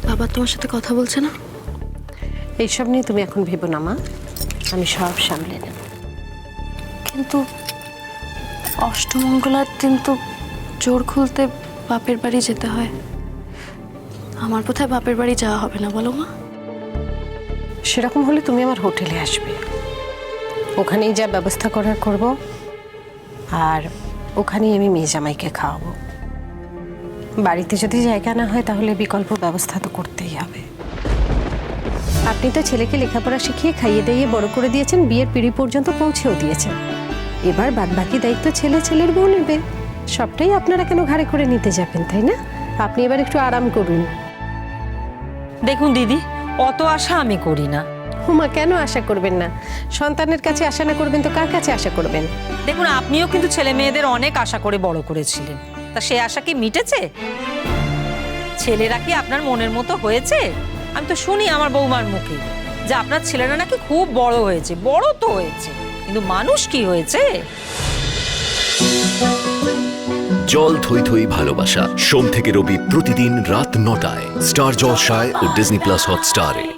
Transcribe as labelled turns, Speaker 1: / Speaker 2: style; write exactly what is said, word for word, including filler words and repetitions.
Speaker 1: বাবা তোমার সাথে কথা বলছে না?
Speaker 2: এইসব নিয়ে তুমি এখন ভেবো না মা, আমি সব সামলে নেব।
Speaker 1: কিন্তু অষ্টমঙ্গলার দিন তো জোর খুলতে বাপের বাড়ি যেতে হয়। আমার বোধহয় বাপের বাড়ি যাওয়া হবে না, বলো মা?
Speaker 2: সেরকম হলে তুমি আমার হোটেলে আসবে, ওখানেই যা ব্যবস্থা করার করব, আর ওখানেই আমি মেয়ে জামাইকে খাওয়াবো। বাড়িতে যদি জায়গা না হয় তাহলে বিকল্প ব্যবস্থা তো করতেই হবে। আপনি তো ছেলেকে লেখাপড়া শিখিয়ে খাইয়ে দাইয়ে বড় করে দিয়েছেন, বিয়ের পিঁড়ি পর্যন্ত পৌঁছেও দিয়েছেন। এবার বাদবাকি দায়িত্ব ছেলে ছেলের বউ নেবে। সবটাই আপনারা কেন ঘাড়ে করে নিতে যাবেন, তাই না? আপনি এবার একটু আরাম করুন।
Speaker 3: দেখুন দিদি, অত আশা আমি করি না।
Speaker 2: হুমা, কেন আশা করবেন না? সন্তানের কাছে আশা না করবেন তো কার কাছে আশা করবেন?
Speaker 3: দেখুন, আপনিও কিন্তু ছেলে মেয়েদের অনেক আশা করে বড় করেছিলেন, তা সে আশা কি মিটেছে? ছেলেরা কি আপনার মনের মতো হয়েছে? আমি তো শুনি আমার বৌমার মুখে যে আপনার ছেলেরা নাকি খুব বড় হয়েছে। বড় তো হয়েছে, কিন্তু মানুষ কি হয়েছে?
Speaker 4: জল থই থই ভালোবাসা, সোম থেকে রবি প্রতিদিন রাত নটায় স্টার জলসায় ও ডিজনি প্লাস হটস্টারে।